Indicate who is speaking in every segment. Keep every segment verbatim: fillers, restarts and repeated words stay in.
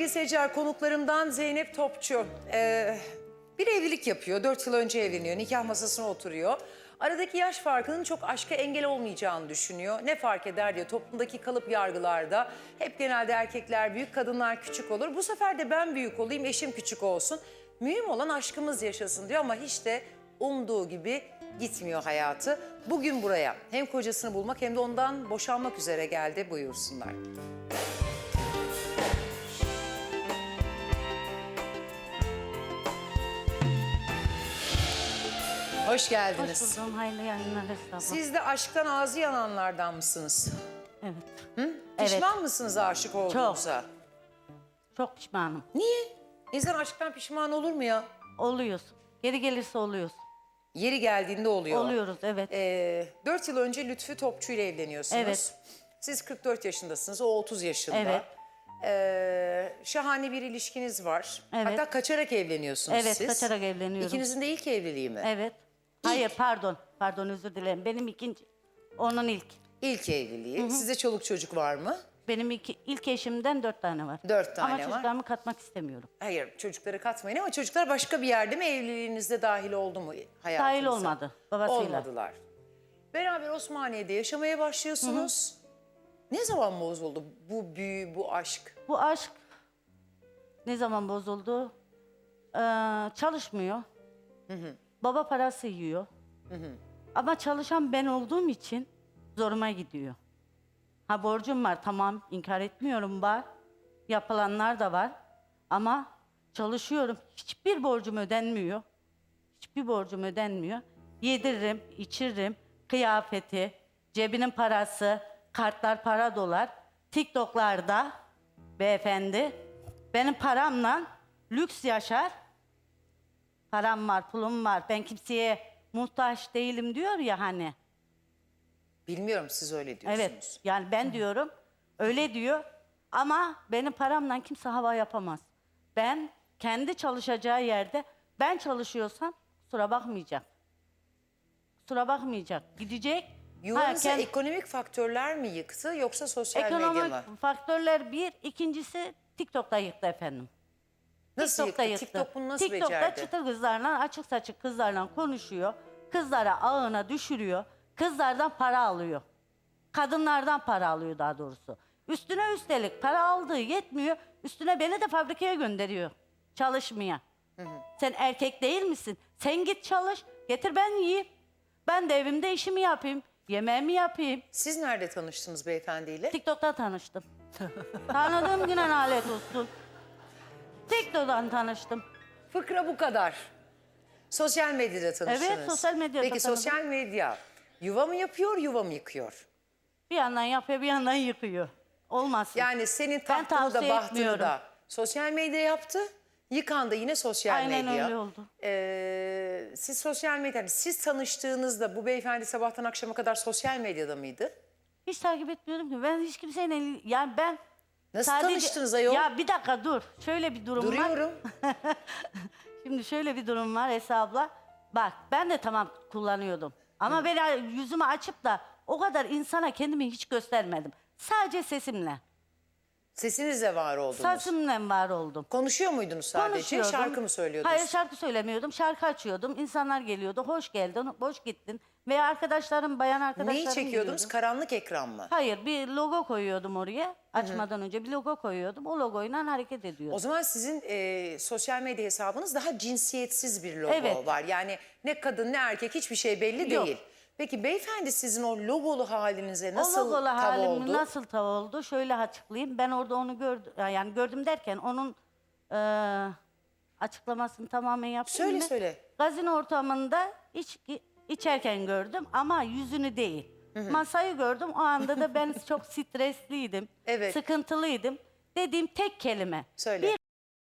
Speaker 1: Sevgili seyirciler, konuklarımdan Zeynep Topçu. Ee, bir evlilik yapıyor. Dört yıl önce evleniyor. Nikah masasına oturuyor. Aradaki yaş farkının çok aşka engel olmayacağını düşünüyor. Ne fark eder diyor. Toplumdaki kalıp yargılarda hep genelde erkekler büyük, kadınlar küçük olur. Bu sefer de ben büyük olayım, eşim küçük olsun. Mühim olan aşkımız yaşasın diyor ama hiç de umduğu gibi gitmiyor hayatı. Bugün buraya hem kocasını bulmak hem de ondan boşanmak üzere geldi. Buyursunlar. Hoş geldiniz.
Speaker 2: Hoş buldum. Hayırlı yayınlar Esra abla.
Speaker 1: Siz de aşktan ağzı yananlardan mısınız?
Speaker 2: Evet.
Speaker 1: Hı?
Speaker 2: Evet.
Speaker 1: Pişman mısınız aşık olduğunuza?
Speaker 2: Çok pişmanım.
Speaker 1: Niye? İnsan aşktan pişman olur mu ya?
Speaker 2: Oluyoruz. Geri gelirse oluyoruz.
Speaker 1: Yeri geldiğinde oluyor.
Speaker 2: Oluyoruz, evet.
Speaker 1: Ee, dört yıl önce Lütfü Topçu ile evleniyorsunuz.
Speaker 2: Evet.
Speaker 1: Siz kırk dört yaşındasınız, o otuz yaşında.
Speaker 2: Evet.
Speaker 1: Ee, şahane bir ilişkiniz var.
Speaker 2: Evet.
Speaker 1: Hatta kaçarak evleniyorsunuz
Speaker 2: Evet,
Speaker 1: siz.
Speaker 2: kaçarak evleniyorum.
Speaker 1: İkinizin de ilk evliliği mi?
Speaker 2: Evet. Hayır, pardon. Pardon, özür dilerim. Benim ikinci, onun ilk.
Speaker 1: İlk evliliği. Hı hı. Size çoluk çocuk var mı?
Speaker 2: Benim iki, ilk eşimden dört tane var.
Speaker 1: Dört tane
Speaker 2: Ama
Speaker 1: var.
Speaker 2: Ama çocuklarımı katmak istemiyorum.
Speaker 1: Hayır, çocukları katmayın ama çocuklar başka bir yerde mi, evliliğinizde dahil oldu mu hayatınıza?
Speaker 2: Dahil olmadı, babasıyla.
Speaker 1: Olmadılar. Beraber Osmaniye'de yaşamaya başlıyorsunuz. Hı hı. Ne zaman bozuldu bu büyü, bu aşk?
Speaker 2: Bu aşk ne zaman bozuldu? Ee, çalışmıyor.
Speaker 1: Hı hı.
Speaker 2: Baba parası yiyor.
Speaker 1: Hı hı.
Speaker 2: Ama çalışan ben olduğum için zoruma gidiyor. Ha, borcum var, tamam, inkar etmiyorum, var. Yapılanlar da var. Ama çalışıyorum. Hiçbir borcum ödenmiyor. Hiçbir borcum ödenmiyor. Yediririm, içiririm, kıyafeti, cebinin parası, kartlar, para, dolar. TikTok'larda beyefendi benim paramla lüks yaşar. Param var, pulum var. Ben kimseye muhtaç değilim diyor ya hani.
Speaker 1: Bilmiyorum, siz öyle diyorsunuz.
Speaker 2: Evet, yani ben diyorum, öyle diyor ama benim paramla kimse hava yapamaz. Ben kendi çalışacağı yerde, ben çalışıyorsam kusura bakmayacak. Kusura bakmayacak, gidecek.
Speaker 1: Yuvanızı
Speaker 2: Ha, kend-
Speaker 1: ekonomik faktörler mi yıktı yoksa sosyal medya
Speaker 2: Ekonomik
Speaker 1: mı?
Speaker 2: faktörler bir, ikincisi TikTok'ta yıktı efendim.
Speaker 1: Nasıl
Speaker 2: TikTok'ta
Speaker 1: yıktı? TikTok bunu nasıl
Speaker 2: TikTok'ta
Speaker 1: becerdi?
Speaker 2: çıtır kızlarla, açık saçık kızlarla konuşuyor. Kızlara ağına düşürüyor. Kızlardan para alıyor. Kadınlardan para alıyor daha doğrusu. Üstüne üstelik para aldığı yetmiyor. Üstüne beni de fabrikaya gönderiyor. Çalışmaya. Hı hı. Sen erkek değil misin? Sen git çalış. Getir ben yiyeyim. Ben de evimde işimi yapayım. Yemeğimi yapayım.
Speaker 1: Siz nerede tanıştınız beyefendiyle?
Speaker 2: TikTok'ta tanıştım. Tanıdığım güne nalet olsun. TikTok'tan tanıştım.
Speaker 1: Fıkra bu kadar. Sosyal medyada tanıştınız.
Speaker 2: Evet, sosyal medyada
Speaker 1: Peki
Speaker 2: tanıdım.
Speaker 1: sosyal medya yuva mı yapıyor, yuva mı yıkıyor?
Speaker 2: Bir yandan yapıyor, bir yandan yıkıyor. Olmasın.
Speaker 1: Yani senin
Speaker 2: Ben
Speaker 1: tahtını da
Speaker 2: tavsiye
Speaker 1: bahtını
Speaker 2: etmiyorum.
Speaker 1: da sosyal medya yaptı, yıkan da yine sosyal
Speaker 2: Aynen
Speaker 1: medya.
Speaker 2: öyle oldu.
Speaker 1: Ee, siz sosyal medya, siz tanıştığınızda bu beyefendi sabahtan akşama kadar sosyal medyada mıydı?
Speaker 2: Hiç takip etmiyorum ki. Ben hiç kimseyle, yani ben
Speaker 1: Nasıl tanıştınız ayol?
Speaker 2: Ya bir dakika dur. Şöyle bir durum var.
Speaker 1: Duruyorum.
Speaker 2: Şimdi şöyle bir durum var Esra abla. Bak ben de tamam kullanıyordum. Ama
Speaker 1: Hı.
Speaker 2: ben yüzümü açıp da o kadar insana kendimi hiç göstermedim. Sadece sesimle.
Speaker 1: Sesinizle var oldunuz.
Speaker 2: Sesimle var oldum.
Speaker 1: Konuşuyor muydunuz sadece?
Speaker 2: Konuşuyordum.
Speaker 1: Şarkı mı söylüyordunuz?
Speaker 2: Hayır, şarkı söylemiyordum. Şarkı açıyordum. İnsanlar geliyordu. Hoş geldin, hoş gittin. Veya arkadaşlarım, bayan arkadaşlarım
Speaker 1: Neyi çekiyordunuz?
Speaker 2: geliyordu.
Speaker 1: Karanlık ekran mı?
Speaker 2: Hayır, bir logo koyuyordum oraya. Açmadan önce bir logo koyuyordum. O logoyla hareket ediyordum.
Speaker 1: O zaman sizin e, sosyal medya hesabınız daha cinsiyetsiz bir logo
Speaker 2: Evet.
Speaker 1: var. Yani ne kadın ne erkek hiçbir şey belli
Speaker 2: Yok.
Speaker 1: değil. Peki beyefendi sizin o logolu halinize nasıl
Speaker 2: o logolu
Speaker 1: tav
Speaker 2: halim
Speaker 1: oldu?
Speaker 2: nasıl tav oldu? Şöyle açıklayayım. Ben orada onu gördüm. Yani gördüm derken onun e, açıklamasını tamamen yaptım.
Speaker 1: Söyle,
Speaker 2: mı?
Speaker 1: söyle.
Speaker 2: Gazino ortamında iç, içerken gördüm ama yüzünü değil. Masayı gördüm. O anda da ben çok stresliydim.
Speaker 1: Evet.
Speaker 2: Sıkıntılıydım. Dediğim tek kelime.
Speaker 1: Söyle.
Speaker 2: Bir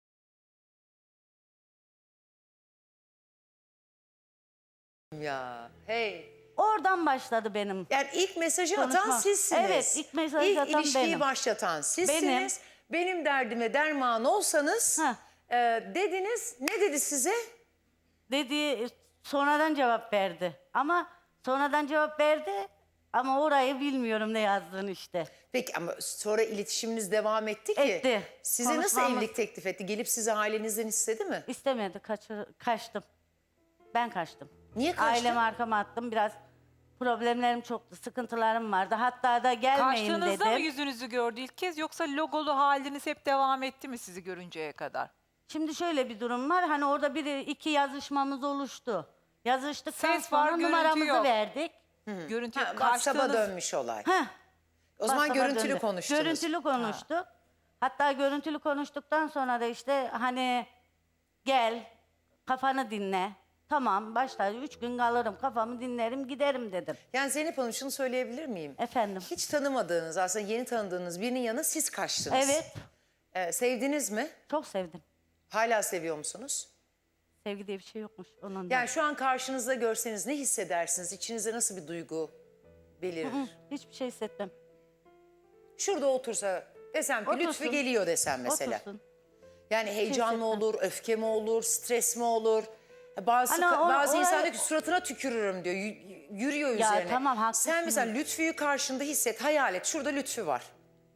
Speaker 1: Ya hey.
Speaker 2: Oradan başladı benim.
Speaker 1: Yani ilk mesajı atan
Speaker 2: Konuşma.
Speaker 1: sizsiniz.
Speaker 2: Evet, ilk mesajı
Speaker 1: İlk
Speaker 2: atan
Speaker 1: ilişkiyi
Speaker 2: benim.
Speaker 1: başlatan sizsiniz. Benim, benim derdime derman olsanız
Speaker 2: Heh.
Speaker 1: e, dediniz. Ne dedi size?
Speaker 2: Dediği sonradan cevap verdi. Ama sonradan cevap verdi Ama orayı bilmiyorum ne yazdığını işte.
Speaker 1: Peki ama sonra iletişiminiz devam etti ki.
Speaker 2: Etti.
Speaker 1: Size nasıl
Speaker 2: Konuşmamız-
Speaker 1: evlilik teklif etti? Gelip sizi ailenizden istedi mi?
Speaker 2: İstemedi, kaçır, kaçtım. Ben kaçtım.
Speaker 1: Niye kaçtın?
Speaker 2: Ailemi arkama attım. Biraz problemlerim çoktu, sıkıntılarım vardı. Hatta da gelmeyin
Speaker 3: Kaçtığınızda
Speaker 2: dedim.
Speaker 3: mı yüzünüzü gördü ilk kez yoksa logolu haliniz hep devam etti mi sizi görünceye kadar?
Speaker 2: Şimdi şöyle bir durum var. Hani orada bir iki yazışmamız oluştu. Yazıştıktan
Speaker 3: Ses var,
Speaker 2: sonra
Speaker 3: görüntü
Speaker 2: numaramızı
Speaker 3: yok.
Speaker 2: verdik.
Speaker 3: Görüntü
Speaker 1: Ha, WhatsApp'a
Speaker 3: kaçtığınız
Speaker 1: dönmüş olay.
Speaker 2: Heh,
Speaker 1: O zaman
Speaker 2: WhatsApp'a
Speaker 1: görüntülü
Speaker 2: döndü.
Speaker 1: konuştunuz.
Speaker 2: Görüntülü konuştuk. Hatta görüntülü konuştuktan sonra da işte hani gel kafanı dinle. Tamam başta üç gün kalırım kafamı dinlerim giderim dedim.
Speaker 1: Yani Zeynep Hanım şunu söyleyebilir miyim?
Speaker 2: Efendim.
Speaker 1: Hiç tanımadığınız aslında yeni tanıdığınız birinin yanına siz kaçtınız.
Speaker 2: Evet,
Speaker 1: Ee, sevdiniz mi?
Speaker 2: çok sevdim.
Speaker 1: Hala seviyor musunuz?
Speaker 2: Sevgi diye bir şey yokmuş onun da.
Speaker 1: Yani şu an karşınızda görseniz ne hissedersiniz? İçinizde nasıl bir duygu belirir?
Speaker 2: Hı, hiçbir şey hissetmem.
Speaker 1: Şurada otursa desem ki
Speaker 2: Otursun.
Speaker 1: Lütfü geliyor desem mesela.
Speaker 2: Otursun.
Speaker 1: Yani heyecan mı
Speaker 2: hissetmem.
Speaker 1: olur, öfke mi olur, stres mi olur? Bazı
Speaker 2: Ana, o-
Speaker 1: bazı
Speaker 2: o-
Speaker 1: insan diyor ki suratına tükürürüm diyor. y- Yürüyor
Speaker 2: Ya
Speaker 1: üzerine.
Speaker 2: tamam, haklısın.
Speaker 1: Sen mesela Lütfü'yü karşında hisset, hayal et. Şurada Lütfü var.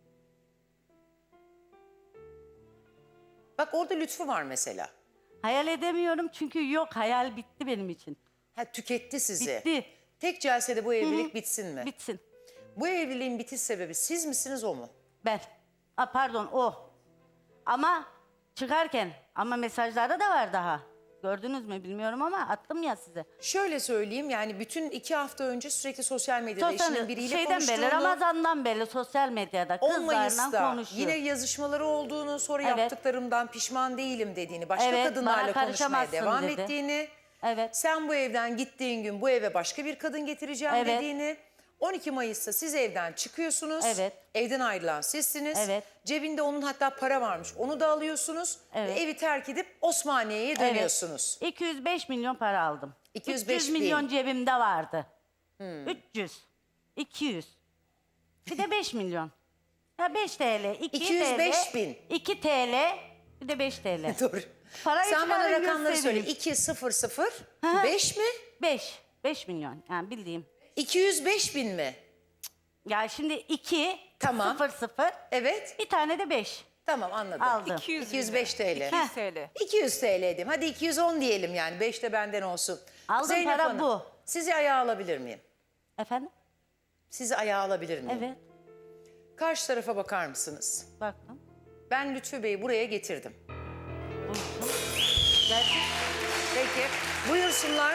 Speaker 1: Bak orada Lütfü var mesela.
Speaker 2: Hayal edemiyorum çünkü yok, hayal bitti benim için.
Speaker 1: Ha, tüketti sizi.
Speaker 2: Bitti.
Speaker 1: Tek celsede bu evlilik bitsin mi?
Speaker 2: Bitsin.
Speaker 1: Bu evliliğin bitiş sebebi siz misiniz o mu?
Speaker 2: Ben. A, pardon o. Ama çıkarken ama mesajlarda da var daha. Gördünüz mü bilmiyorum ama attım ya size.
Speaker 1: Şöyle söyleyeyim yani bütün iki hafta önce sürekli sosyal medyada
Speaker 2: Sosyal,
Speaker 1: eşinin biriyle
Speaker 2: şeyden beri,
Speaker 1: konuştuğunu,
Speaker 2: Ramazan'dan beri sosyal medyada
Speaker 1: on
Speaker 2: kızlarla
Speaker 1: Mayıs'ta
Speaker 2: konuşuyor.
Speaker 1: yine yazışmaları olduğunu, sonra
Speaker 2: Evet.
Speaker 1: yaptıklarımdan pişman değilim dediğini, başka
Speaker 2: Evet,
Speaker 1: kadınlarla
Speaker 2: bana
Speaker 1: konuşmaya
Speaker 2: karışamazsın
Speaker 1: devam
Speaker 2: dedi.
Speaker 1: ettiğini,
Speaker 2: Evet.
Speaker 1: sen bu evden gittiğin gün bu eve başka bir kadın getireceğim
Speaker 2: Evet.
Speaker 1: dediğini, on iki Mayıs'ta siz evden çıkıyorsunuz,
Speaker 2: Evet.
Speaker 1: evden ayrılan sizsiniz,
Speaker 2: Evet.
Speaker 1: cebinde onun hatta para varmış onu da alıyorsunuz,
Speaker 2: Evet.
Speaker 1: ve evi terk edip Osmaniye'ye dönüyorsunuz.
Speaker 2: Evet. iki yüz beş milyon para aldım.
Speaker 1: iki yüz beş
Speaker 2: üç yüz milyon
Speaker 1: bin.
Speaker 2: cebimde vardı. üç yüz. iki yüz. Bir de beş milyon. Ya beş TL. iki
Speaker 1: iki yüz beş
Speaker 2: TL,
Speaker 1: bin.
Speaker 2: iki TL. Bir de beş TL.
Speaker 1: Doğru.
Speaker 2: Parayı
Speaker 1: Sen bana
Speaker 2: çıkarın,
Speaker 1: rakamları söyle.
Speaker 2: göstereyim.
Speaker 1: iki sıfır sıfır
Speaker 2: hı.
Speaker 1: beş mi?
Speaker 2: beş. beş milyon. Yani bildiğim.
Speaker 1: iki yüz beş bin mi?
Speaker 2: Ya şimdi iki,
Speaker 1: Tamam.
Speaker 2: sıfır sıfır,
Speaker 1: Evet.
Speaker 2: bir tane de beş.
Speaker 1: Tamam anladım.
Speaker 2: Aldım.
Speaker 3: iki yüz
Speaker 1: iki yüz beş TL.
Speaker 3: iki yüz T L.
Speaker 1: iki yüz T L diyeyim. Hadi iki yüz on diyelim yani. beş de benden olsun.
Speaker 2: Aldığım para bu.
Speaker 1: Sizi ayağa alabilir miyim?
Speaker 2: Efendim?
Speaker 1: Sizi ayağa alabilir miyim?
Speaker 2: Evet.
Speaker 1: Karşı tarafa bakar mısınız?
Speaker 2: Baktım.
Speaker 1: Ben Lütfü Bey'i buraya getirdim.
Speaker 2: Buyursun. Gelsin.
Speaker 1: Peki. Buyursunlar.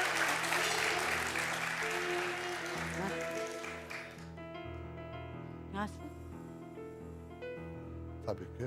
Speaker 2: Gelsin.
Speaker 4: Tabii ki.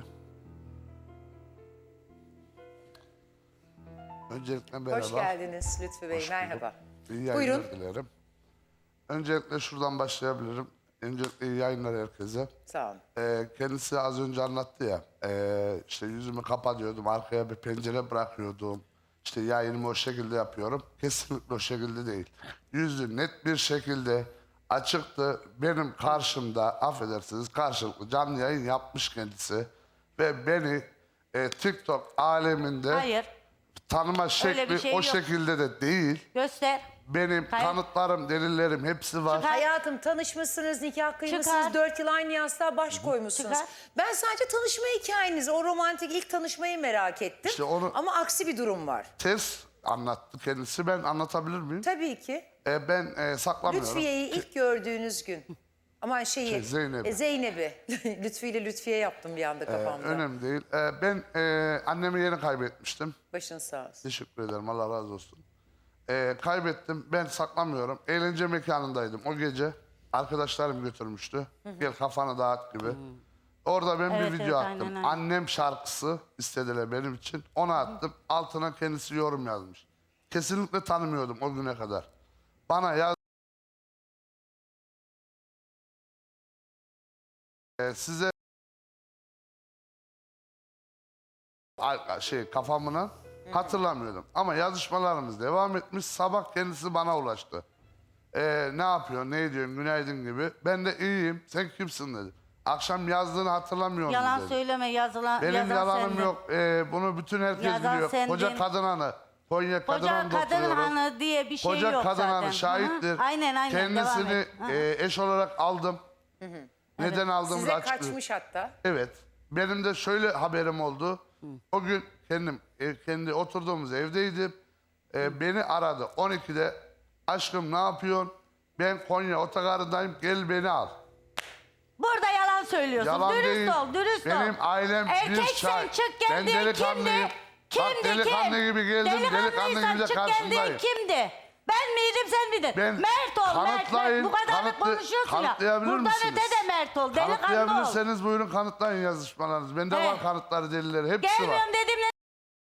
Speaker 4: Öncelikle merhaba.
Speaker 1: Hoş geldiniz Lütfü Bey.
Speaker 4: Hoş bulduk.
Speaker 1: Merhaba.
Speaker 4: İyi yayınlar
Speaker 1: Buyurun.
Speaker 4: dilerim. Öncelikle şuradan başlayabilirim. Öncelikle iyi yayınlar herkese.
Speaker 1: Sağ olun.
Speaker 4: Ee, kendisi az önce anlattı ya. ee, işte yüzümü kapatıyordum, arkaya bir pencere bırakıyordum. İşte yayınımı o şekilde yapıyorum. Kesinlikle o şekilde değil. Yüzü net bir şekilde açıktı. Benim karşımda, affedersiniz, karşılıklı canlı yayın yapmış kendisi. Ve beni e, TikTok aleminde
Speaker 2: Hayır.
Speaker 4: tanıma
Speaker 2: Öyle
Speaker 4: şekli
Speaker 2: bir şey
Speaker 4: o
Speaker 2: yok.
Speaker 4: şekilde de değil.
Speaker 2: Göster.
Speaker 4: Benim
Speaker 2: Hayır.
Speaker 4: kanıtlarım, delillerim hepsi var.
Speaker 2: Çıkar.
Speaker 1: Hayatım tanışmışsınız, nikah kıymışsınız,
Speaker 2: Çıkar.
Speaker 1: dört yıl aynı yastığa baş koymuşsunuz.
Speaker 2: Çıkar.
Speaker 1: Ben sadece tanışma hikayenizi, o romantik ilk tanışmayı merak ettim.
Speaker 4: İşte onu-
Speaker 1: Ama aksi bir durum var.
Speaker 4: Ters anlattı kendisi. Ben anlatabilir miyim?
Speaker 1: Tabii ki.
Speaker 4: E, ben e, saklamıyorum.
Speaker 1: Lütfiye'yi ilk gördüğünüz gün. Aman şeyi,
Speaker 4: Şey, Zeynep'i.
Speaker 1: e, Zeynep'i. Lütfi ile Lütfiye yaptım bir anda
Speaker 4: E,
Speaker 1: kafamda.
Speaker 4: önemli değil. E, ben e, annemi yeni kaybetmiştim.
Speaker 1: Başın sağ olsun.
Speaker 4: Teşekkür ederim. Allah razı olsun. E, kaybettim. Ben saklamıyorum. Eğlence mekanındaydım o gece. Arkadaşlarım götürmüştü. Gel kafanı dağıt gibi. Orada ben
Speaker 2: Evet,
Speaker 4: bir video
Speaker 2: evet,
Speaker 4: attım.
Speaker 2: aynen, aynen.
Speaker 4: Annem şarkısı istediler benim için. Onu attım. Altına kendisi yorum yazmış. Kesinlikle tanımıyordum o güne kadar. Bana yaz... E, size... Ay- şey kafamına hatırlamıyordum. Ama yazışmalarımız devam etmiş. Sabah kendisi bana ulaştı. Ee, ne yapıyorsun, ne ediyorsun, günaydın gibi. Ben de iyiyim, sen kimsin dedi. Akşam yazdığını hatırlamıyorum
Speaker 2: Yalan
Speaker 4: dedi.
Speaker 2: söyleme yazılan.
Speaker 4: Benim
Speaker 2: yazan
Speaker 4: yalanım
Speaker 2: sendin.
Speaker 4: yok. Ee, bunu bütün herkes
Speaker 2: Yazan
Speaker 4: biliyor.
Speaker 2: sendin.
Speaker 4: Koca kadın hanı Konya Kadın
Speaker 2: Koca
Speaker 4: Hanı'nda
Speaker 2: kadın
Speaker 4: oturuyorum.
Speaker 2: hanı diye bir şey
Speaker 4: Koca
Speaker 2: yok
Speaker 4: Kadın
Speaker 2: zaten.
Speaker 4: Hanı şahittir.
Speaker 2: Hı hı. Aynen aynen.
Speaker 4: Kendisini
Speaker 2: devam et. Hı hı.
Speaker 4: e, eş olarak aldım. Neden aldığımı
Speaker 1: Size
Speaker 4: da açıklıyorum.
Speaker 1: kaçmış hatta.
Speaker 4: Evet. Benim de şöyle haberim oldu. O gün kendim ev, kendi oturduğumuz evdeydim. Ee, beni aradı on ikide. Aşkım ne yapıyorsun? Ben Konya otogarındayım. Gel beni al.
Speaker 2: Burada yalan söylüyorsun.
Speaker 4: Yalan
Speaker 2: dürüst
Speaker 4: değil.
Speaker 2: ol, dürüst ol.
Speaker 4: Benim ailem bir
Speaker 2: Erkeksen
Speaker 4: şahit.
Speaker 2: çık gel
Speaker 4: Ben
Speaker 2: diye
Speaker 4: delikanlıyım.
Speaker 2: kimdi?
Speaker 4: Bak,
Speaker 2: Kimdi
Speaker 4: delikanlı
Speaker 2: kim?
Speaker 4: gibi geldim, delikanlı gibi de
Speaker 2: Delikanlıysan çık gel diye
Speaker 4: karşındayım.
Speaker 2: kimdi? Ben miydim sen miydin?
Speaker 4: Ben
Speaker 2: Mert ol Mert,
Speaker 4: kanıtlayın,
Speaker 2: Mert. Bu kadar da
Speaker 4: kanıtlı-
Speaker 2: konuşuyorsun ya.
Speaker 4: kanıtlayabilir
Speaker 2: Buradan
Speaker 4: misiniz?
Speaker 2: öte de Mert ol. Delikanlı ol.
Speaker 4: Kanıtlayabilirseniz buyurun kanıtlayın yazışmalarınızı. Bende
Speaker 2: He.
Speaker 4: var kanıtları, delilleri. Hepsi var.
Speaker 2: Gelmiyorum dedim ne?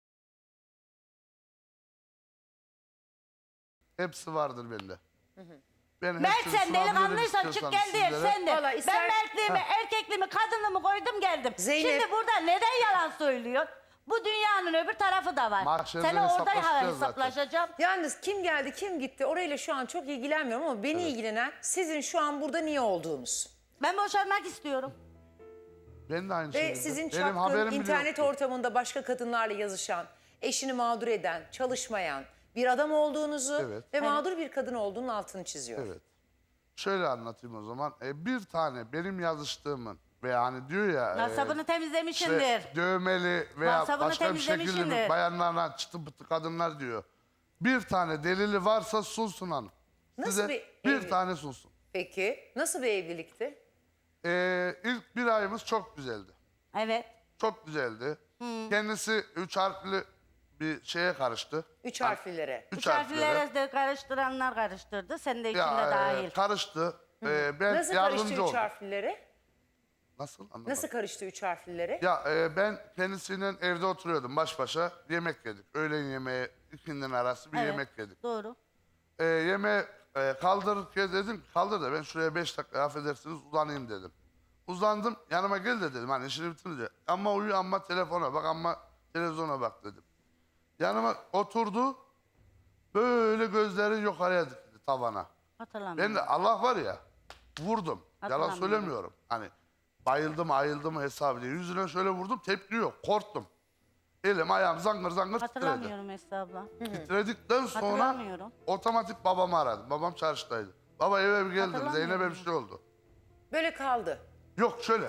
Speaker 4: Hepsi vardır bende. Ben
Speaker 2: Mert
Speaker 4: hepsini
Speaker 2: sen
Speaker 4: sunabilirim
Speaker 2: delikanlıysan çık
Speaker 4: istiyorsanız
Speaker 2: gel diye
Speaker 4: sizlere.
Speaker 2: sen de.
Speaker 1: Vallahi ister-
Speaker 2: Ben Mertliğimi, erkekliğimi, kadınlığımı koydum geldim.
Speaker 1: Zeynep-
Speaker 2: Şimdi burada neden yalan söylüyor? Bu dünyanın öbür tarafı da var.
Speaker 4: Mahşerde
Speaker 2: Sen orada
Speaker 4: hesaplaşacağız
Speaker 2: hesaplaşacağım.
Speaker 1: Yalnız kim geldi kim gitti orayla şu an çok ilgilenmiyorum ama beni ilgilenen sizin şu an burada niye olduğunuz.
Speaker 2: Ben boşanmak istiyorum.
Speaker 4: Ben de aynı
Speaker 1: Ve
Speaker 4: şekilde.
Speaker 1: sizin
Speaker 4: Benim
Speaker 1: çapkın
Speaker 4: haberim bile
Speaker 1: internet
Speaker 4: yoktu.
Speaker 1: ortamında başka kadınlarla yazışan, eşini mağdur eden, çalışmayan bir adam olduğunuzu
Speaker 4: Evet.
Speaker 1: ve mağdur bir kadın olduğunun altını çiziyor.
Speaker 4: Evet. Şöyle anlatayım o zaman. E, bir tane benim yazıştığımın veya hani diyor ya... e,
Speaker 2: Nasabını temizlemişindir.
Speaker 4: işte dövmeli veya
Speaker 2: Masabını
Speaker 4: başka bir şekilde
Speaker 2: temizlemişindir.
Speaker 4: bir bayanlarla çıtı pıtı kadınlar diyor. Bir tane delili varsa sunsun hanım.
Speaker 1: Nasıl
Speaker 4: Size
Speaker 1: bir
Speaker 4: bir
Speaker 1: evlilik?
Speaker 4: tane sunsun.
Speaker 1: Peki nasıl bir evlilikti?
Speaker 4: E, ilk bir ayımız çok güzeldi.
Speaker 2: Evet.
Speaker 4: Çok güzeldi. Kendisi üç harfli bir şeye karıştı.
Speaker 1: Üç harflilere.
Speaker 4: Üç,
Speaker 2: Üç
Speaker 4: harflere.
Speaker 2: harflere de karıştıranlar karıştırdı. Sen de içinde
Speaker 4: Ya, e,
Speaker 2: dahil.
Speaker 4: karıştı. E, ben
Speaker 1: Nasıl karıştı
Speaker 4: yardımcı
Speaker 1: üç
Speaker 4: oldum.
Speaker 1: harflilere?
Speaker 4: Nasıl? Anlamadım.
Speaker 1: Nasıl karıştı üç harflilere?
Speaker 4: Ya e, ben kendisiyle evde oturuyordum baş başa. Yemek yedik. Öğlen yemeği ikindinin arası bir
Speaker 2: Evet,
Speaker 4: yemek yedik.
Speaker 2: Doğru.
Speaker 4: E, yemeği e, kaldırırken dedim ki, kaldır da ben şuraya beş dakika affedersiniz uzanayım dedim. Uzandım yanıma gel de dedim hani işini bitirince. Ama uyu ama telefona bak ama televizyona bak dedim. Yanıma oturdu. Böyle gözleri yukarıya dikti tavana.
Speaker 2: Hatırlamıyorum.
Speaker 4: Ben de Allah var ya vurdum. Yalan
Speaker 2: Hatırlamıyorum.
Speaker 4: söylemiyorum. Hani bayıldım ayıldım hesabı diye. Yüzüne şöyle vurdum tepki yok. Korktum. Elim ayağım zangır zangır titredi.
Speaker 2: Hatırlamıyorum Esra abla.
Speaker 4: Titredikten sonra
Speaker 2: Hatırlamıyorum.
Speaker 4: otomatik babamı aradım. Babam çarşıdaydı. Baba eve bir geldim.
Speaker 2: Hatırlamıyorum.
Speaker 4: Zeynep'e bir şey oldu.
Speaker 1: Böyle kaldı.
Speaker 4: Yok şöyle.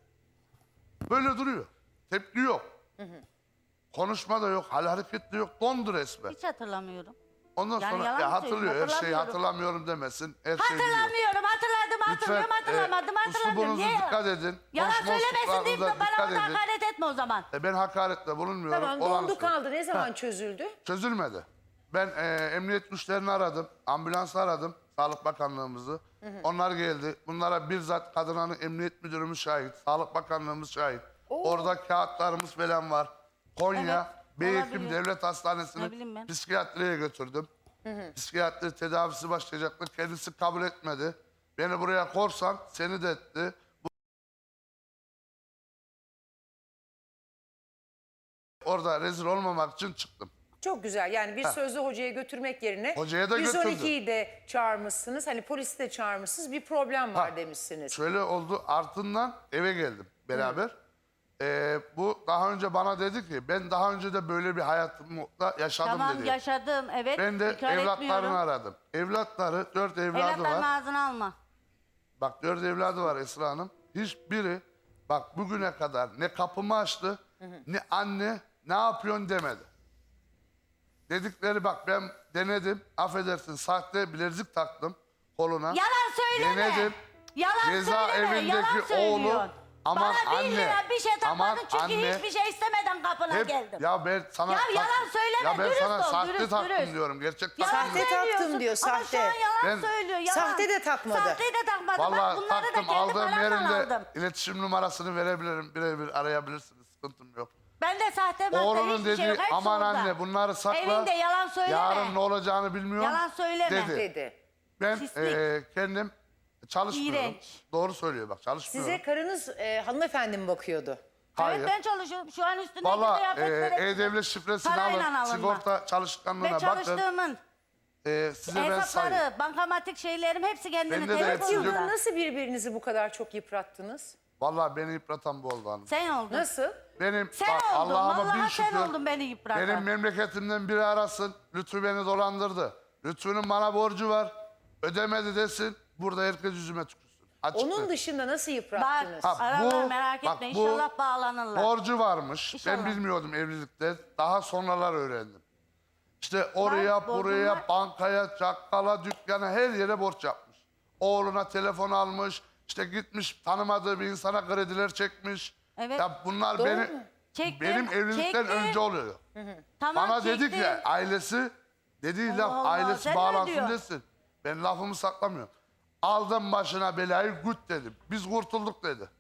Speaker 4: Böyle duruyor. Tepki yok. Konuşma da yok. Hal hareket de yok. Dondu resmen.
Speaker 2: Hiç hatırlamıyorum.
Speaker 4: Ondan
Speaker 2: Yani
Speaker 4: sonra
Speaker 2: yalan
Speaker 4: ya
Speaker 2: mı
Speaker 4: hatırlıyor.
Speaker 2: söyleyeyim?
Speaker 4: Her şeyi
Speaker 2: Hatırlamıyorum.
Speaker 4: hatırlamıyorum demesin. Her şeyi biliyor.
Speaker 2: Hatırlamıyorum, hatırladım, hatırlıyorum, hatırlamadım,
Speaker 4: e,
Speaker 2: hatırlamıyorum.
Speaker 4: uslubunuza
Speaker 2: Niye?
Speaker 4: dikkat edin.
Speaker 2: Yalan
Speaker 4: Konuşma
Speaker 2: söylemesin deyip de
Speaker 4: usluplarınıza
Speaker 2: bana
Speaker 4: dikkat
Speaker 2: orada
Speaker 4: edin.
Speaker 2: hakaret etme o zaman.
Speaker 4: E, ben hakaretle bulunmuyorum.
Speaker 1: Tamam
Speaker 4: Olanı
Speaker 1: dondu
Speaker 4: söylüyorum.
Speaker 1: kaldı. Ne zaman çözüldü?
Speaker 4: Çözülmedi. Ben e, emniyet güçlerini aradım. Ambulansı aradım. Sağlık Bakanlığımızı. Onlar geldi. Bunlara bizzat Kadın Hanı Emniyet Müdürümüz şahit. Sağlık Bakanlığımız şahit. Orada kağıtlarımız falan var. Konya
Speaker 2: Evet,
Speaker 4: Beyhekim
Speaker 2: olabilir.
Speaker 4: Devlet
Speaker 2: Ne bileyim
Speaker 4: Hastanesi'nin
Speaker 2: ben.
Speaker 4: psikiyatriye götürdüm. Psikiyatri tedavisi başlayacaktı. Kendisi kabul etmedi. Beni buraya korsan seni de etti. Bu- Orada rezil olmamak için çıktım.
Speaker 1: Çok güzel. Yani bir sözlü hocaya götürmek yerine
Speaker 4: Hocaya da
Speaker 1: yüz on ikiyi
Speaker 4: götürdüm.
Speaker 1: de çağırmışsınız. Hani polisi de çağırmışsınız. Bir problem var
Speaker 4: Ha,
Speaker 1: demişsiniz.
Speaker 4: Şöyle oldu ardından eve geldim beraber. Ee, bu daha önce bana dedi ki ben daha önce de böyle bir hayatımda yaşadım
Speaker 2: Tamam
Speaker 4: dedi.
Speaker 2: yaşadım, evet.
Speaker 4: Ben de
Speaker 2: inkar
Speaker 4: evlatlarını
Speaker 2: etmiyorum.
Speaker 4: aradım. Evlatları dört evladı
Speaker 2: Evlatların
Speaker 4: var.
Speaker 2: ağzını alma.
Speaker 4: Bak dört evladı var Esra Hanım. Hiçbiri bak bugüne kadar ne kapımı açtı ne anne ne yapıyorsun demedi. Dedikleri bak ben denedim affedersin sahte bilezik taktım koluna.
Speaker 2: Yalan söyleme.
Speaker 4: Denedim.
Speaker 2: Yalan
Speaker 4: Ceza
Speaker 2: söyleme.
Speaker 4: evindeki
Speaker 2: Yalan söylüyorsun.
Speaker 4: oğlu, aman
Speaker 2: Bana bir
Speaker 4: anne,
Speaker 2: lira bir şey
Speaker 4: aman
Speaker 2: takmadın çünkü
Speaker 4: anne.
Speaker 2: hiçbir şey istemeden kapına
Speaker 4: Hep,
Speaker 2: geldim.
Speaker 4: ya ben sana
Speaker 2: Ya
Speaker 4: tak-
Speaker 2: yalan söyleme,
Speaker 4: Ya ben
Speaker 2: dürüst
Speaker 4: sana
Speaker 2: ol,
Speaker 4: sahte
Speaker 2: dürüst,
Speaker 4: taktım
Speaker 2: dürüst.
Speaker 4: diyorum. Gerçek
Speaker 2: Yalan
Speaker 4: taktım
Speaker 1: Sahte
Speaker 4: diyorum.
Speaker 1: taktım
Speaker 2: söylüyorsun.
Speaker 1: diyor,
Speaker 2: Ama
Speaker 1: sahte.
Speaker 2: şu an yalan
Speaker 4: Ben-
Speaker 2: söylüyor. Yalan.
Speaker 1: Sahte de takmadı.
Speaker 2: Sahte de takmadı. Bak
Speaker 4: Vallahi
Speaker 2: bunları da
Speaker 4: taktım
Speaker 2: kendi
Speaker 4: aldığım
Speaker 2: paramdan
Speaker 4: yerinde
Speaker 2: aldım.
Speaker 4: iletişim numarasını verebilirim. Birebir arayabilirsiniz. Sıkıntım yok.
Speaker 2: Ben de sahte madde
Speaker 4: Oğlunun
Speaker 2: hiçbir
Speaker 4: dedi
Speaker 2: şey yok. Hepsi
Speaker 4: aman
Speaker 2: orada.
Speaker 4: anne bunları sakla.
Speaker 2: Evinde yalan söyleme.
Speaker 4: Yarın ne olacağını bilmiyorum.
Speaker 2: Yalan söyleme.
Speaker 4: Dedi.
Speaker 1: Dedi.
Speaker 4: Ben
Speaker 2: Pislik.
Speaker 4: e, kendim çalışmıyorum.
Speaker 2: İğrenç.
Speaker 4: Doğru söylüyor bak çalışmıyorum.
Speaker 1: Size karınız e, hanımefendi mi bakıyordu?
Speaker 4: Hayır.
Speaker 2: Evet ben çalışıyorum. Şu an üstündeki
Speaker 4: Valla
Speaker 2: kıyafetleri
Speaker 4: e, E-Devlet şifresini
Speaker 2: parayla
Speaker 4: alın.
Speaker 2: alınma.
Speaker 4: Sigorta
Speaker 2: ve
Speaker 4: çalışkanlığına bakın.
Speaker 2: çalıştığımın
Speaker 4: E, size ben sayayım.
Speaker 2: hesapları, bankamatik şeylerim hepsi kendini
Speaker 4: Bende de hepsi yok.
Speaker 2: telefonunda.
Speaker 1: Nasıl birbirinizi bu kadar çok yıprattınız?
Speaker 4: Valla beni yıpratan bu oldu hanım.
Speaker 2: Sen oldun.
Speaker 1: Nasıl?
Speaker 4: Benim
Speaker 2: Sen
Speaker 4: bak,
Speaker 2: oldun.
Speaker 4: Allah'ıma bin
Speaker 2: Vallahi
Speaker 4: şükür.
Speaker 2: sen oldun beni yıpratan.
Speaker 4: Benim memleketimden biri arasın. Lütfü beni dolandırdı. Lütfü'nün bana borcu var. Ödemedi desin. Burada herkes yüzüme tükürsün. Açık
Speaker 1: Onun
Speaker 4: net.
Speaker 1: dışında nasıl
Speaker 2: Bak
Speaker 1: yıprattınız?
Speaker 4: Ha,
Speaker 2: ararlar
Speaker 4: bu-
Speaker 2: merak
Speaker 4: bak,
Speaker 2: etme
Speaker 4: bu
Speaker 2: inşallah bağlanırlar.
Speaker 4: Borcu varmış.
Speaker 2: İnşallah.
Speaker 4: Ben bilmiyordum evlilikte. Daha sonralar öğrendim. İşte oraya,
Speaker 2: Bak, borcum
Speaker 4: buraya,
Speaker 2: var.
Speaker 4: bankaya, çakkala, dükkana her yere borç yapmış. Oğluna telefon almış. İşte gitmiş tanımadığı bir insana krediler çekmiş.
Speaker 2: Evet.
Speaker 4: Ya bunlar
Speaker 1: Doğru
Speaker 4: beni
Speaker 1: mu?
Speaker 2: Çektim,
Speaker 4: benim evlilikten
Speaker 2: çektim.
Speaker 4: önce oluyor.
Speaker 2: Tamam,
Speaker 4: Bana dedik
Speaker 2: çektim.
Speaker 4: ya ailesi dediği
Speaker 2: Allah
Speaker 4: laf
Speaker 2: Allah,
Speaker 4: ailesi
Speaker 2: sen ne
Speaker 4: bağlansın
Speaker 2: diyorsun?
Speaker 4: desin. Ben lafımı saklamıyorum. Aldım başına belayı güt dedim. Biz kurtulduk dedi.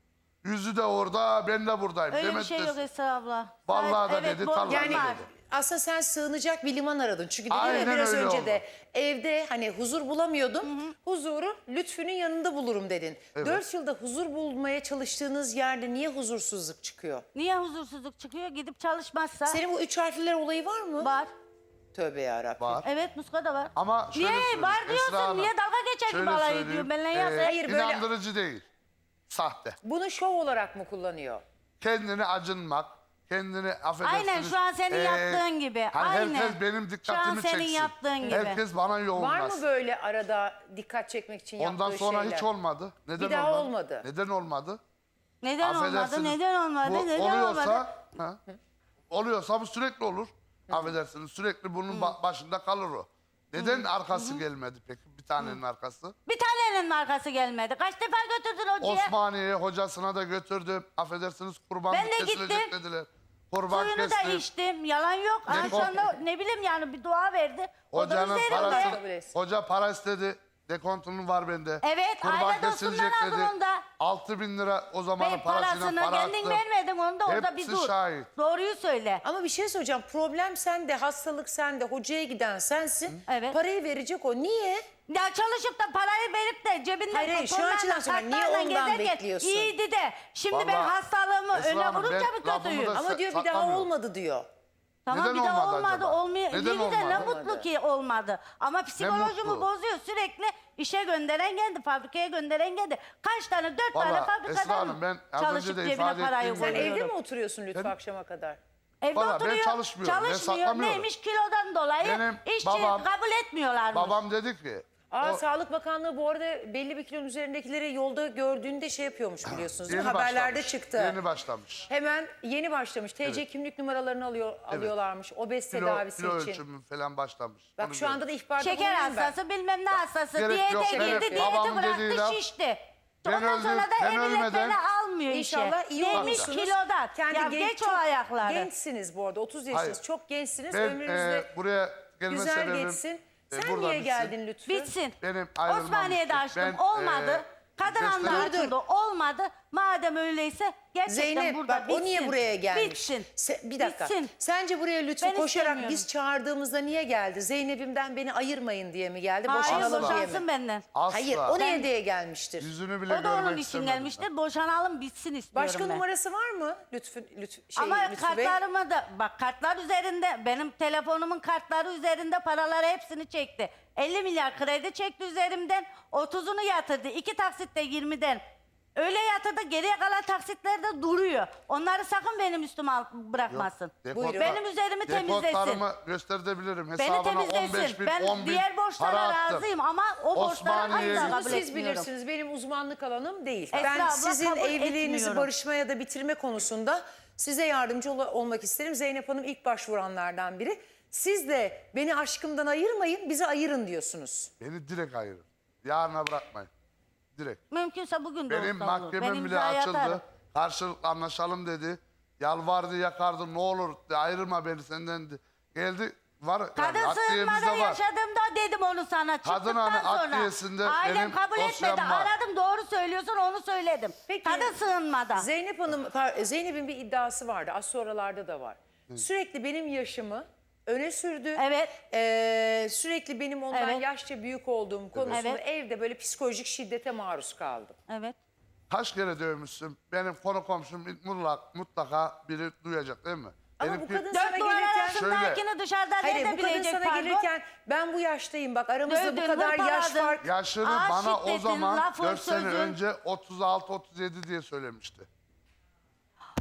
Speaker 4: Yüzü de orada, ben de buradayım.
Speaker 2: Öyle bir
Speaker 4: Demedi
Speaker 2: şey yok
Speaker 4: desin.
Speaker 2: Esra abla.
Speaker 4: Vallahi da
Speaker 2: Evet,
Speaker 4: dedi,
Speaker 2: borcum
Speaker 4: tallahi
Speaker 1: Yani
Speaker 2: var.
Speaker 4: dedi.
Speaker 1: aslında sen sığınacak bir liman aradın. Çünkü dedim ya
Speaker 4: Aynen
Speaker 1: biraz
Speaker 4: öyle
Speaker 1: önce
Speaker 4: oldu.
Speaker 1: de evde hani huzur bulamıyordum. Huzuru Lütfü'nün yanında bulurum dedin. Dört yılda huzur bulmaya çalıştığınız yerde niye huzursuzluk çıkıyor?
Speaker 2: Niye huzursuzluk çıkıyor? Gidip çalışmazsa
Speaker 1: Senin bu üç harfliler olayı var mı?
Speaker 2: var.
Speaker 1: Tövbe yarabbim.
Speaker 4: Var.
Speaker 2: Evet muska da var.
Speaker 4: Ama şöyle
Speaker 2: Niye
Speaker 4: söyleyeyim,
Speaker 2: var
Speaker 4: Esra
Speaker 2: diyorsun?
Speaker 4: Hanım,
Speaker 2: Niye dalga geçer
Speaker 4: şöyle
Speaker 2: gibi alay
Speaker 4: söyleyeyim,
Speaker 2: ediyor benimle ya?
Speaker 4: e,
Speaker 2: Sen-
Speaker 1: Hayır, böyle-
Speaker 4: inandırıcı değil. Sahte.
Speaker 1: Bunu şov olarak mı kullanıyor?
Speaker 4: Kendini acınmak, kendini affedersiniz.
Speaker 2: Aynen şu an senin
Speaker 4: e,
Speaker 2: yaptığın gibi.
Speaker 4: hani
Speaker 2: Aynen.
Speaker 4: herkes benim dikkatimi
Speaker 2: Şu an senin
Speaker 4: çeksin.
Speaker 2: yaptığın gibi.
Speaker 4: Herkes bana
Speaker 1: Var
Speaker 4: yoğunlasın.
Speaker 1: mı böyle arada dikkat çekmek için
Speaker 4: Ondan
Speaker 1: yaptığı
Speaker 4: sonra
Speaker 1: şeyler?
Speaker 4: hiç olmadı. Neden
Speaker 1: Bir daha
Speaker 4: olmadı?
Speaker 1: olmadı.
Speaker 4: Neden olmadı?
Speaker 2: Neden olmadı?
Speaker 4: Affedersiniz,
Speaker 2: Neden olmadı?
Speaker 4: bu
Speaker 2: Neden
Speaker 4: oluyorsa,
Speaker 2: olmadı?
Speaker 4: ha, oluyorsa bu sürekli olur. Affedersiniz sürekli bunun ba- başında kalır o. Neden arkası gelmedi peki bir tanenin arkası?
Speaker 2: Bir tanenin markası gelmedi. Kaç defa götürdün hocaya?
Speaker 4: Osmaniye'ye hocasına da götürdüm. Affedersiniz kurban
Speaker 2: Ben de
Speaker 4: kesilecek
Speaker 2: gittim.
Speaker 4: dediler. Kurban
Speaker 2: Suyunu da
Speaker 4: kestim.
Speaker 2: içtim. Yalan yok. Ha,
Speaker 4: Ne
Speaker 2: şu anda ne bileyim yani bir dua verdi. O da
Speaker 4: Hocanın
Speaker 2: üzerimde.
Speaker 1: Kabul
Speaker 4: parası,
Speaker 1: etsin.
Speaker 4: hoca para istedi. Dekontunun var bende.
Speaker 2: Evet, aile dostundan aldın onu da.
Speaker 4: altı bin lira o zamanın
Speaker 2: Ben
Speaker 4: parasıyla
Speaker 2: parasını
Speaker 4: para
Speaker 2: kendin
Speaker 4: attım.
Speaker 2: vermedin onu da orada bir
Speaker 4: Hepsi
Speaker 2: dur.
Speaker 4: şahit.
Speaker 2: Doğruyu söyle.
Speaker 1: Ama bir şey söyleyeceğim. Problem sende, hastalık sende, hocaya giden sensin.
Speaker 2: Evet.
Speaker 1: Parayı verecek o. Niye?
Speaker 2: Ya çalışıp da parayı verip de cebinden
Speaker 1: Hayır, hayır, şu
Speaker 2: tonlarla,
Speaker 1: açıdan söylüyorum. Niye
Speaker 2: kartlarla
Speaker 1: ondan
Speaker 2: gezerken
Speaker 1: bekliyorsun?
Speaker 2: İyiydi de. Şimdi ben
Speaker 4: Vallahi
Speaker 2: hastalığımı
Speaker 4: Esra
Speaker 2: öne
Speaker 4: Hanım,
Speaker 2: vurunca
Speaker 4: ben
Speaker 2: mı
Speaker 4: lafımı
Speaker 2: kötüyüm?
Speaker 4: da-
Speaker 1: Ama diyor bir daha
Speaker 4: saklamıyorum.
Speaker 1: olmadı diyor.
Speaker 2: Tamam
Speaker 4: Neden
Speaker 2: bir daha
Speaker 4: olmadı
Speaker 2: olmadı.
Speaker 4: acaba?
Speaker 2: Olmuyor.
Speaker 4: Neden
Speaker 2: İyi de ne
Speaker 4: olmadı?
Speaker 2: mutlu ki olmadı. Ama psikolojimi
Speaker 4: mutlu.
Speaker 2: bozuyor. Sürekli işe gönderen geldi, fabrikaya gönderen geldi. Kaç tane? Dört
Speaker 4: Vallahi
Speaker 2: tane
Speaker 4: Esra
Speaker 2: fabrikadan
Speaker 4: Hanım, ben az
Speaker 2: çalışıp
Speaker 4: önce de
Speaker 2: cebine
Speaker 4: ifade
Speaker 2: parayı
Speaker 4: ettiğim
Speaker 1: Sen
Speaker 4: gibi-
Speaker 2: koyuyorum.
Speaker 1: evde mi oturuyorsun Lütfü akşama kadar?
Speaker 2: Evde
Speaker 4: Vallahi ben
Speaker 2: oturuyor.
Speaker 4: çalışmıyorum, ben
Speaker 2: Çalışmıyor.
Speaker 4: saklamıyorum.
Speaker 2: Neymiş kilodan dolayı
Speaker 4: Benim
Speaker 2: işçi
Speaker 4: babam-
Speaker 2: kabul etmiyorlarmış.
Speaker 4: Babam dedi ki
Speaker 1: Aa,
Speaker 4: o-
Speaker 1: Sağlık Bakanlığı bu arada belli bir kilonun üzerindekileri yolda gördüğünde şey yapıyormuş biliyorsunuz değil mi?
Speaker 4: yeni
Speaker 1: Haberlerde
Speaker 4: başlamış,
Speaker 1: çıktı.
Speaker 4: Yeni başlamış.
Speaker 1: Hemen yeni başlamış. T C kimlik numaralarını alıyor, alıyorlarmış. Obez
Speaker 4: Kilo,
Speaker 1: tedavisi
Speaker 4: kilo
Speaker 1: için.
Speaker 4: ölçümü falan başlamış.
Speaker 1: Bak
Speaker 4: Onu
Speaker 1: şu anda da
Speaker 4: gördüm.
Speaker 1: ihbarda
Speaker 2: Şeker
Speaker 1: bulunayım ben.
Speaker 2: hastası bilmem ne hastası.
Speaker 4: gerek
Speaker 2: Diyete
Speaker 4: yok.
Speaker 2: girdi,
Speaker 4: Benim
Speaker 2: diyeti
Speaker 4: babamın dediği
Speaker 2: bıraktı,
Speaker 4: laf,
Speaker 2: şişti.
Speaker 4: ben
Speaker 2: Ondan
Speaker 4: öldüm,
Speaker 2: sonra da
Speaker 4: ben
Speaker 2: emniyet
Speaker 4: ölmeden-
Speaker 2: beni almıyor işe.
Speaker 1: İnşallah iyi
Speaker 2: Neymiş
Speaker 1: olursunuz.
Speaker 2: kilodan.
Speaker 1: Kendi
Speaker 2: ya
Speaker 1: genç,
Speaker 2: geç o
Speaker 1: çok
Speaker 2: ayakları.
Speaker 1: Gençsiniz bu arada. otuz yaşınız.
Speaker 4: Hayır.
Speaker 1: Çok gençsiniz.
Speaker 4: Ben
Speaker 1: Ömrünüzde
Speaker 4: e, buraya gelme
Speaker 1: güzel
Speaker 4: sebebim
Speaker 1: geçsin.
Speaker 4: e,
Speaker 1: Sen
Speaker 4: burada
Speaker 1: niye
Speaker 4: bitsin.
Speaker 1: geldin Lütfü?
Speaker 2: Bitsin.
Speaker 4: Benim ayrılmam
Speaker 2: Osmaniye'de
Speaker 4: için.
Speaker 2: açtım.
Speaker 4: Ben,
Speaker 2: olmadı.
Speaker 4: e,
Speaker 2: Kadın anda
Speaker 4: gösteri-
Speaker 2: açıldı. Olmadı. Madem öyleyse gerçekten
Speaker 1: Zeynep
Speaker 2: burada
Speaker 1: bak
Speaker 2: bitsin.
Speaker 1: o niye buraya gelmiş?
Speaker 2: Bitsin.
Speaker 1: Se- bir dakika.
Speaker 2: Bitsin.
Speaker 1: Sence buraya Lütfü
Speaker 2: Ben
Speaker 1: koşarak
Speaker 2: istemiyorum.
Speaker 1: biz çağırdığımızda niye geldi? Zeynep'imden beni ayırmayın diye mi geldi?
Speaker 2: Hayır
Speaker 1: Boşanalım diye mi?
Speaker 2: boşansın benden.
Speaker 4: Asla.
Speaker 1: Hayır o niye
Speaker 2: Ben-
Speaker 1: diye gelmiştir?
Speaker 4: Yüzünü bile
Speaker 2: O da onun
Speaker 4: görmek
Speaker 2: için
Speaker 4: istemedim
Speaker 2: gelmiştir. Boşanalım bitsin istiyorum
Speaker 1: Başka
Speaker 2: ben.
Speaker 1: numarası var mı Lütfü, Lütfü, şey,
Speaker 2: Ama
Speaker 1: Lütfü Bey?
Speaker 2: kartlarımı da bak kartlar üzerinde benim telefonumun kartları üzerinde paraları hepsini çekti. elli milyar kredi çekti üzerimden. otuzunu yatırdı. İki taksitte yirmiden. Öyle yatırdı geriye kalan taksitler de duruyor. Onları sakın benim üstüme al- bırakmasın.
Speaker 4: Dekot-
Speaker 1: Buyurun.
Speaker 2: Benim üzerimi temizlesin.
Speaker 4: Dekotlarımı gösterebilirim.
Speaker 2: Beni
Speaker 4: Hesabına on beş
Speaker 2: temizlesin.
Speaker 4: bin,
Speaker 2: Ben
Speaker 4: on bin
Speaker 2: diğer borçlara
Speaker 4: para attım.
Speaker 2: razıyım ama o borçları
Speaker 4: Osmaniye'ye
Speaker 2: asla
Speaker 4: gittim.
Speaker 2: kabul
Speaker 1: Bunu siz
Speaker 2: etmiyorum.
Speaker 1: bilirsiniz. Benim uzmanlık alanım değil.
Speaker 2: Esra
Speaker 1: ben
Speaker 2: abla
Speaker 1: sizin
Speaker 2: kabul
Speaker 1: evliliğinizi
Speaker 2: etmiyorum.
Speaker 1: barışma ya da bitirme konusunda size yardımcı ol- olmak isterim. Zeynep Hanım ilk başvuranlardan biri. Siz de beni aşkımdan ayırmayın, bizi ayırın diyorsunuz.
Speaker 4: Beni direkt ayırın. Yarına bırakmayın. Direkt.
Speaker 2: Mümkünse bugün de
Speaker 4: Benim
Speaker 2: olsa olur.
Speaker 4: mahkemem
Speaker 2: Ben
Speaker 4: bile
Speaker 2: imzayı
Speaker 4: açıldı.
Speaker 2: atarım.
Speaker 4: Karşılıklı anlaşalım dedi. Yalvardı yakardı ne olur de, ayrılma beni senden de. Geldi var.
Speaker 2: Kadın
Speaker 4: yani,
Speaker 2: sığınmada
Speaker 4: adliyemizde var.
Speaker 2: yaşadığımda dedim onu sana
Speaker 4: Kadın
Speaker 2: çıktıktan
Speaker 4: hani
Speaker 2: sonra.
Speaker 4: adliyesinde
Speaker 2: Ailem
Speaker 4: benim
Speaker 2: kabul
Speaker 4: dosyam
Speaker 2: etmedi.
Speaker 4: var.
Speaker 2: Aradım doğru söylüyorsun onu söyledim.
Speaker 1: Peki,
Speaker 2: Kadın sığınmada.
Speaker 1: Zeynep Hanım, par- Zeynep'in bir iddiası vardı. Az sonralarda da var. Sürekli benim yaşımı öne sürdü.
Speaker 2: Evet.
Speaker 1: Ee, sürekli benim ondan
Speaker 2: Evet.
Speaker 1: yaşça büyük olduğum konusunda
Speaker 2: Evet.
Speaker 1: evde böyle psikolojik şiddete maruz kaldım.
Speaker 2: Evet.
Speaker 4: Kaç kere dövmüşsün? Benim konu komşum mutlaka, mutlaka biri duyacak değil mi?
Speaker 1: Ama
Speaker 4: Benimki-
Speaker 1: bu kadın sana
Speaker 2: Dört duvar
Speaker 1: gelirken...
Speaker 2: arasındakini dışarıda
Speaker 1: Hayır, bu kadın
Speaker 2: edebilecek
Speaker 1: sana
Speaker 2: pardon.
Speaker 1: gelirken ben bu yaştayım bak aramızda
Speaker 2: Dövdün,
Speaker 1: bu kadar yaş
Speaker 2: hırpaladın.
Speaker 1: fark.
Speaker 4: Yaşını
Speaker 2: Ağır
Speaker 4: bana o
Speaker 2: şiddetin,
Speaker 4: zaman
Speaker 2: lafın,
Speaker 4: dört sene
Speaker 2: sözün.
Speaker 4: önce otuz altı otuz yedi diye söylemişti.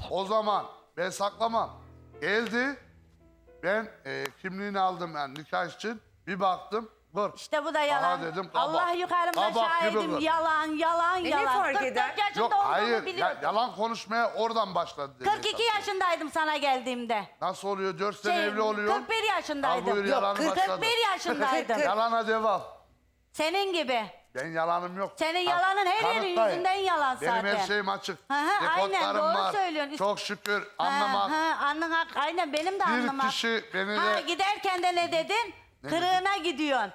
Speaker 4: O zaman ben saklamam. Geldi. Ben e, kimliğini aldım yani nikah için. Bir baktım. Kır.
Speaker 2: İşte bu da yalan.
Speaker 4: Aha dedim, kabak.
Speaker 2: Allah yukarımda
Speaker 4: Kabak gibi
Speaker 2: şahidim.
Speaker 4: kır.
Speaker 2: Yalan, yalan,
Speaker 1: E ne
Speaker 2: yalan.
Speaker 1: fark
Speaker 2: kırk dört
Speaker 1: eder?
Speaker 2: yaşında
Speaker 4: Yok
Speaker 2: olduğumu
Speaker 4: hayır ya-
Speaker 2: biliyordum.
Speaker 4: yalan konuşmaya oradan başladı. dedi
Speaker 2: kırk iki
Speaker 4: esas.
Speaker 2: yaşındaydım sana geldiğimde.
Speaker 4: Nasıl oluyor? Dört sene
Speaker 2: Şey,
Speaker 4: evli oluyor.
Speaker 2: kırk bir
Speaker 4: Al
Speaker 2: yaşındaydım.
Speaker 4: buyur
Speaker 1: Yok,
Speaker 4: yalanı
Speaker 1: kırk-
Speaker 4: başladı.
Speaker 2: kırk bir yaşındaydım.
Speaker 1: Kırk-
Speaker 4: Yalana devam.
Speaker 2: Senin gibi.
Speaker 4: Ben yalanım yok.
Speaker 2: Senin
Speaker 4: Ha,
Speaker 2: yalanın her yerin
Speaker 4: kanıtlayın.
Speaker 2: yüzünden yalan
Speaker 4: Benim
Speaker 2: zaten.
Speaker 4: her şeyim açık.
Speaker 2: Hı hı, aynen,
Speaker 4: Dekodlarım
Speaker 2: doğru
Speaker 4: var.
Speaker 2: söylüyorsun.
Speaker 4: Çok şükür
Speaker 2: Ha,
Speaker 4: anlamak.
Speaker 2: ha, anlamak. Aynen benim de
Speaker 4: Bir
Speaker 2: anlamak.
Speaker 4: kişi beni
Speaker 2: Ha,
Speaker 4: de...
Speaker 2: giderken de ne dedin?
Speaker 4: Ne
Speaker 2: Kırığına gidiyorsun.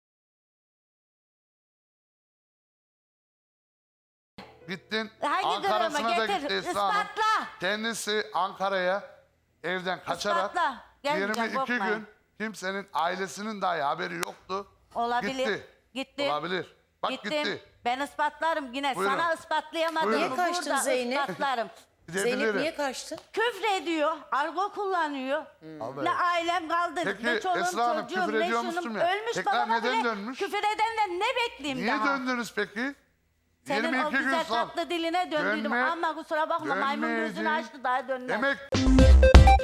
Speaker 4: Gittin
Speaker 2: Hangi
Speaker 4: Ankara'sına
Speaker 2: kırığımı
Speaker 4: da
Speaker 2: getir,
Speaker 4: gitti Esra Hanım.
Speaker 2: ispatla.
Speaker 4: Kendisi Ankara'ya evden kaçarak
Speaker 2: İspatla. Gelmeyeceğim,
Speaker 4: yirmi iki
Speaker 2: korkmayın.
Speaker 4: gün kimsenin ailesinin dahi haberi yoktu.
Speaker 2: Olabilir.
Speaker 4: Gitti.
Speaker 2: Gitti.
Speaker 4: Olabilir. Bak
Speaker 2: Gittim.
Speaker 4: gitti.
Speaker 2: Ben ispatlarım yine.
Speaker 4: Buyurun.
Speaker 2: Sana ispatlayamadım.
Speaker 4: Buyurun.
Speaker 1: Niye kaçtın
Speaker 2: Burada
Speaker 1: Zeynep?
Speaker 2: ispatlarım.
Speaker 1: Zeynep
Speaker 4: Gidebilirim.
Speaker 1: niye kaçtın?
Speaker 2: Küfrediyor, argo kullanıyor.
Speaker 4: Abi.
Speaker 2: Ne ailem kaldı,
Speaker 4: Peki,
Speaker 2: ne çoluğum
Speaker 4: Esra Hanım,
Speaker 2: çocuğum,
Speaker 4: küfür
Speaker 2: ne
Speaker 4: ediyormuştum
Speaker 2: şunum.
Speaker 4: ya.
Speaker 2: Ölmüş
Speaker 4: Tekrar
Speaker 2: babama
Speaker 4: neden
Speaker 2: bile
Speaker 4: dönmüş?
Speaker 2: küfür edenden ne bekleyeyim
Speaker 4: Niye
Speaker 2: daha?
Speaker 4: döndünüz peki?
Speaker 2: Senin o
Speaker 4: yirmi iki gün
Speaker 2: güzel
Speaker 4: sonra.
Speaker 2: tatlı diline döndüydüm
Speaker 4: Dönme-
Speaker 2: ama kusura bakma maymun gözünü
Speaker 4: dönmeyeceğim.
Speaker 2: açtı daha dönmez.
Speaker 4: Demek